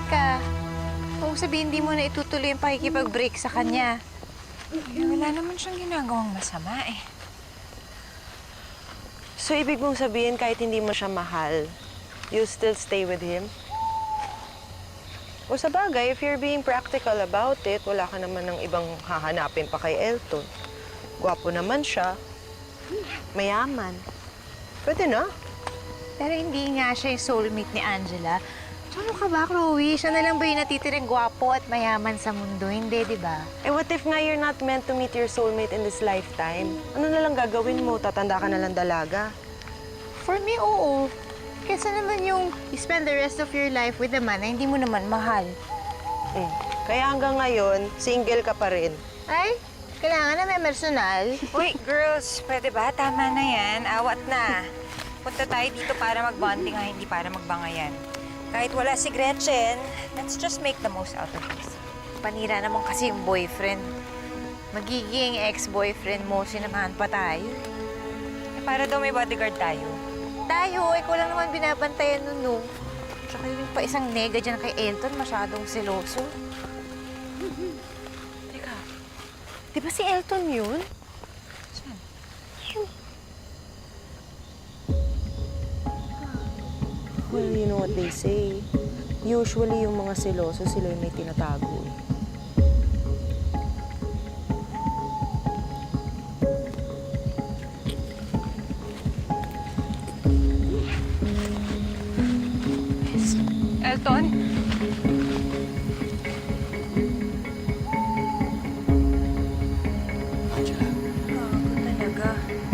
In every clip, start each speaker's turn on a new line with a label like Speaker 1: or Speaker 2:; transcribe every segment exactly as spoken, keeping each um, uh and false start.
Speaker 1: ka. Kung sabihin, hindi mo na itutuloy yung pakikipag-break sa kanya.
Speaker 2: Eh, wala naman siyang ginagawang masama eh.
Speaker 3: So, ibig mong sabihin kahit hindi mo siya mahal, you still stay with him? O sa bagay, if you're being practical about it, wala ka naman ng ibang hahanapin pa kay Elton. Gwapo naman siya. Mayaman. Pwede na.
Speaker 1: Pero hindi nga siya yung soulmate ni Angela. Ano ka ba, Chloe? Siya na lang ba yung natitirang gwapo at mayaman sa mundo? Hindi, di ba?
Speaker 3: Eh, what if nga you're not meant to meet your soulmate in this lifetime? Ano na lang gagawin mo? Tatanda ka na lang dalaga?
Speaker 1: For me, oo. Kesa naman yung you spend the rest of your life with a man na hindi mo naman mahal.
Speaker 3: Mm. Kaya hanggang ngayon, single ka pa rin.
Speaker 1: Ay, kailangan na may personal.
Speaker 2: Uy, girls, pwede ba? Tama na yan. Awat na. Punta tayo dito para mag-bonding ha, hindi para magbangayan. Kahit wala si Gretchen, let's just make the most out of this.
Speaker 1: Panira naman kasi yung boyfriend. Magiging ex-boyfriend mo, sinamahan pa tayo.
Speaker 2: Eh, para daw may bodyguard tayo.
Speaker 1: Tayo, ikaw lang naman binabantayan nun, no? Tsaka yung pa isang nega dyan kay Elton, masyadong seloso.
Speaker 3: Teka, di ba si Elton yun?
Speaker 2: Saan?
Speaker 3: Well, you know what they say. Usually, yung mga seloso, sila yung may tinatago.
Speaker 2: Elton?
Speaker 4: Angela,
Speaker 2: Gago talaga.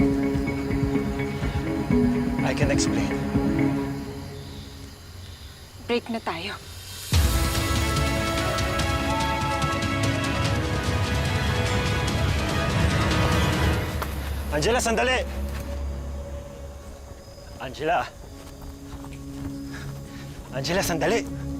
Speaker 4: I can explain.
Speaker 2: Break na tayo.
Speaker 4: Angela, sandali! Angela! Angela, sandali!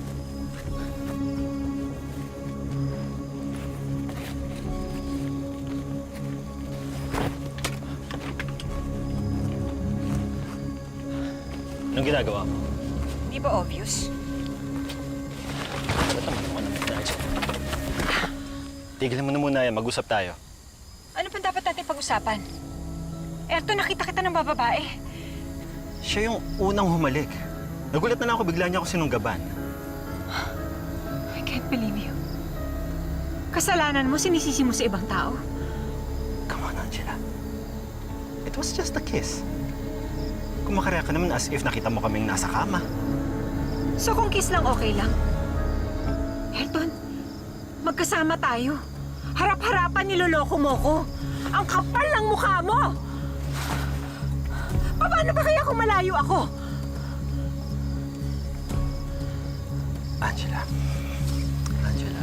Speaker 4: Anong ginagawa mo?
Speaker 2: Di ba obvious?
Speaker 4: Ba't naman ako naman na dyan? Tigilan mo na muna yan, mag-usap tayo.
Speaker 2: Ano pa dapat natin pag-usapan? Elton, nakita kita ng bababae.
Speaker 4: Siya yung unang humalik. Nagulat na lang ako, bigla niya ako sinunggaban.
Speaker 2: I can't believe you. Kasalanan mo, sinisisi mo sa ibang tao.
Speaker 4: Come on, Angela. It was just a kiss. Kumakarya ka naman as if nakita mo kaming nasa kama.
Speaker 2: So kung kiss lang, okay lang? Elton, magkasama tayo. Harap-harapan niloloko mo ko. Ang kapal ng mukha mo! Paano ba kaya kung malayo ako?
Speaker 4: Angela. Angela.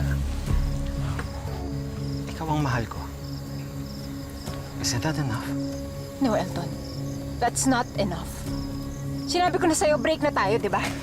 Speaker 4: Ikaw ang mahal ko. Isn't that enough?
Speaker 2: No, Elton. That's not enough. Sinabi ko na sa'yo, break na tayo, di ba?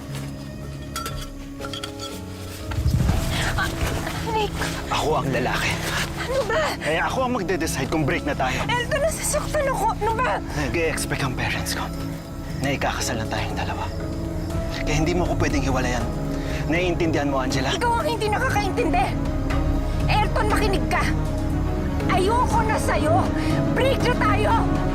Speaker 2: Ah, Nick,
Speaker 4: Ako ang lalaki.
Speaker 2: ano ba?
Speaker 4: Kaya ako ang magde-decide kung break na tayo.
Speaker 2: Elton, nasasaktan ako. Ano ba?
Speaker 4: Nag-e-expect ang parents ko na ikakasal na tayong dalawa. Kaya hindi mo ko pwedeng hiwalayan. Naiintindihan mo, Angela?
Speaker 2: Ikaw ang hindi nakakaintindi. Elton, makinig ka. Ayoko na sa'yo. Break na tayo.